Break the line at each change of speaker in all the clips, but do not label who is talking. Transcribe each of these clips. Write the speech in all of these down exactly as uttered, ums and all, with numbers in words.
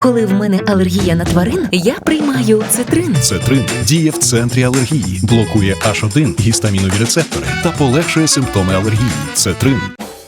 Коли в мене алергія на тварин, я приймаю цитрин.
Цетрин діє в центрі алергії, блокує аш один гістамінові рецептори та полегшує симптоми алергії. Цетрин.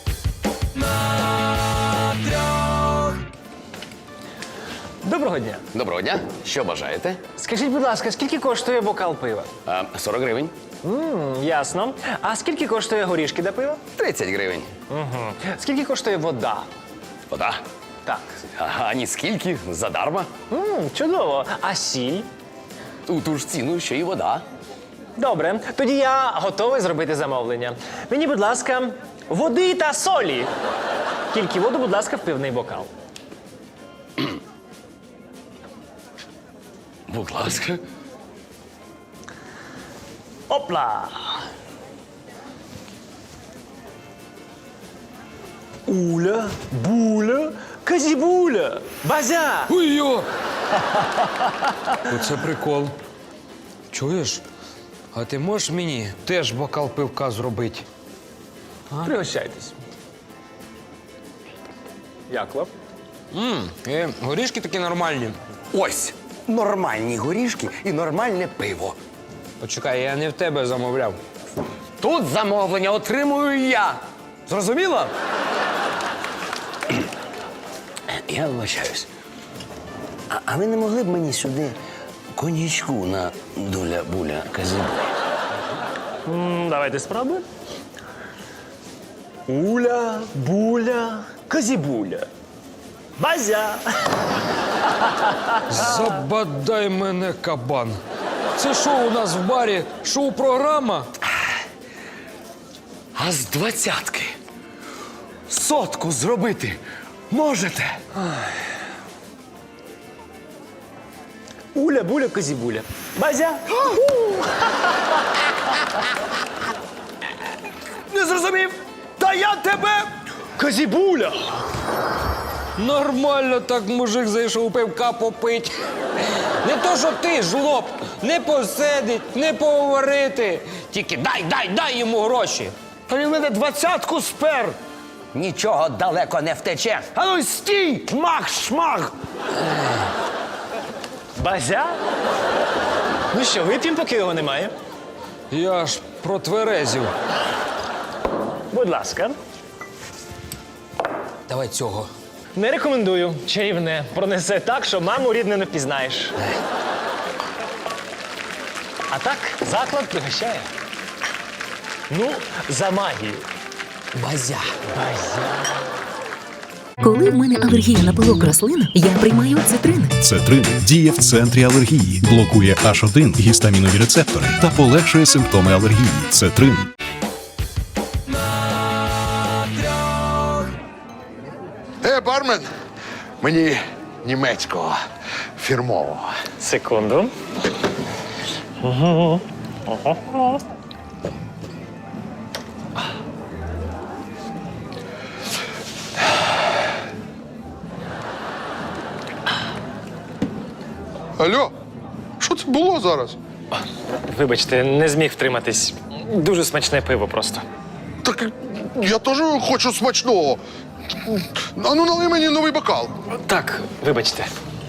Доброго дня.
Доброго дня. Що бажаєте?
Скажіть, будь ласка, скільки коштує бокал пива?
А, сорок гривень.
М, ясно. А скільки коштує горішки до пива?
тридцять гривень.
Угу. Скільки коштує вода?
Вода.
Так.
А, а ні скільки? Задарма.
М, чудово. А сіль?
У ту ж ціну, що і вода.
Добре. Тоді я готовий зробити замовлення. Мені, будь ласка, води та солі. Тільки воду, будь ласка, в пивний бокал.
Будь ласка.
Опла! Уля, буля, казібуля, базя!
Ой-йо! Оце прикол. Чуєш? А ти можеш мені теж бокал пивка зробити?
Пригощайтесь. Як вам?
Мм, е, горішки такі нормальні.
Ось. Нормальні горішки і нормальне пиво.
Почекай, я не в тебе замовляв.
Тут замовлення отримую я. Зрозуміло? Я вибачаюсь. А, а ви не могли б мені сюди коньячку на дуля-буля казибуля?
М, Давайте спробуємо. Уля, буля, казібуля. Базя!
Забадай мене, кабан. Це що у нас в барі? Шоу-програма?
А з двадцятки сотку зробити можете?
Уля, буля, казібуля. Базя!
Не зрозумів? Та я тебе!
Казібуля!
Нормально так мужик зайшов пивка попить. Не то, що ти, жлоб, не посидить, не поговорити. Тільки дай, дай, дай йому гроші.
Та він мене двадцятку спер! Нічого далеко не втече. А ну стій! Мах-шмах!
Базя? Ну що, вип'ємо, поки його немає?
Я ж протверезів.
Будь ласка.
Давай цього.
Не рекомендую. Чарівне. Пронесе так, що маму рідне не впізнаєш. А так, заклад пригощає. Ну, за магію.
Базя.
Базя.
Коли в мене алергія на пилок рослин, я приймаю цитрин.
Цетрин діє в центрі алергії, блокує аш один гістамінові рецептори та полегшує симптоми алергії. Цетрин.
Е, бармен, мені німецького фірмового.
Секунду.
Алло, що це було зараз?
Вибачте, не зміг втриматись. Дуже смачне пиво просто.
Так я теж хочу смачного. А ну налий мені новий бокал.
Так, вибачте.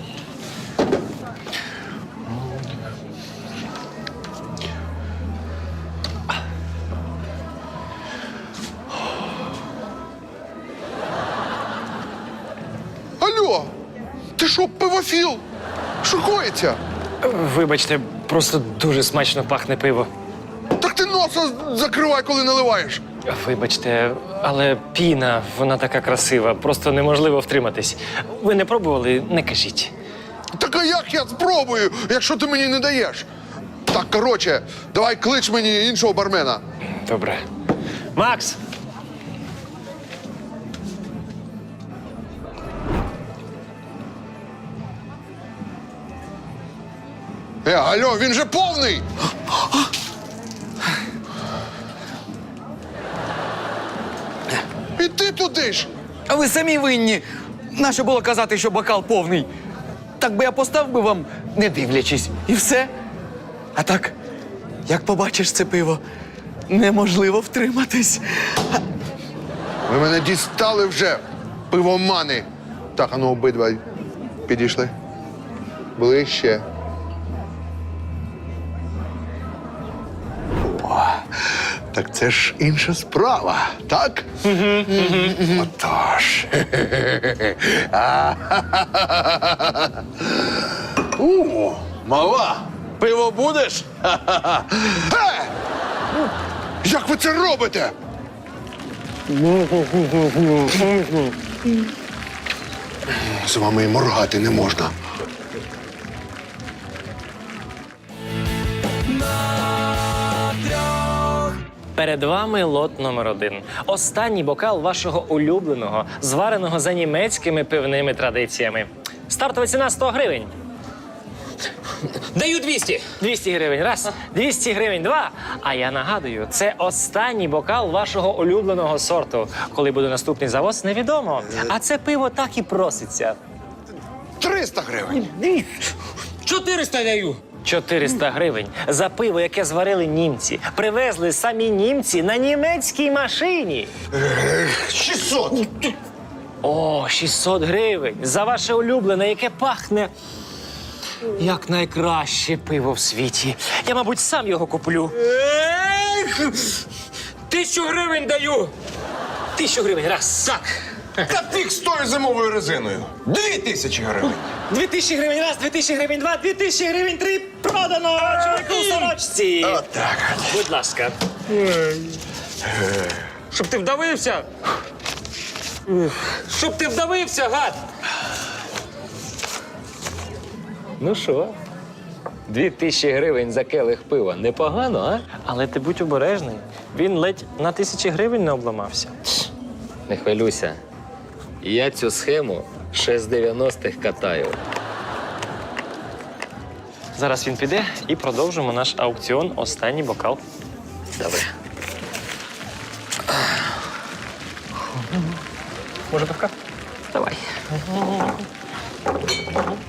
Алло, ти що, пивофіл? Що коїться?
Вибачте, просто дуже смачно пахне пиво.
Так ти носа закривай, коли наливаєш.
Вибачте, але піна, вона така красива, просто неможливо втриматись. Ви не пробували, не кажіть.
Так а як я спробую, якщо ти мені не даєш? Так, коротше, давай клич мені іншого бармена.
Добре. Макс!
Е, алло, він же повний! І ти туди ж!
А ви самі винні. Нащо було казати, що бокал повний? Так би я постав би вам, не дивлячись, і все. А так, як побачиш це пиво, неможливо втриматись.
Ви мене дістали вже, пивомани. Так, а ну обидва Підійшли. Ближче. О, так це ж інша справа, так? Отож. О, мала, пиво будеш? Е! Як ви це робите? З вами і моргати не можна.
Перед вами лот номер один. Останній бокал вашого улюбленого, звареного за німецькими пивними традиціями. Стартова ціна сто гривень.
Даю двісті.
двісті гривень раз, двісті гривень два. А я нагадую, це останній бокал вашого улюбленого сорту. Коли буде наступний завоз, невідомо. А це пиво так і проситься.
триста гривень.
чотириста даю.
чотириста гривень за пиво, яке зварили німці. Привезли самі німці на німецькій машині.
шістсот.
О, шістсот гривень за ваше улюблене, яке пахне як найкраще пиво в світі. Я, мабуть, сам його куплю.
Ех! Тисячу гривень даю.
Тисячу гривень раз.
Так.
Та фіг з тою зимовою резиною. Дві тисячі гривень.
Дві тисячі гривень раз, дві тисячі гривень два, дві тисячі гривень три. Продано чоловіку у сорочці.
Отак.
Будь ласка.
Щоб ти вдавився. Щоб ти вдавився, гад.
Ну що? Дві тисячі гривень за келих пива. Непогано, а? Але ти будь обережний. Він ледь на тисячі гривень не обламався.
Не хвилюйся. Я цю схему ще з дев'яностих катаю.
Зараз він піде і продовжимо наш аукціон «Останній бокал».
Добре.
Може, пивка?
Давай.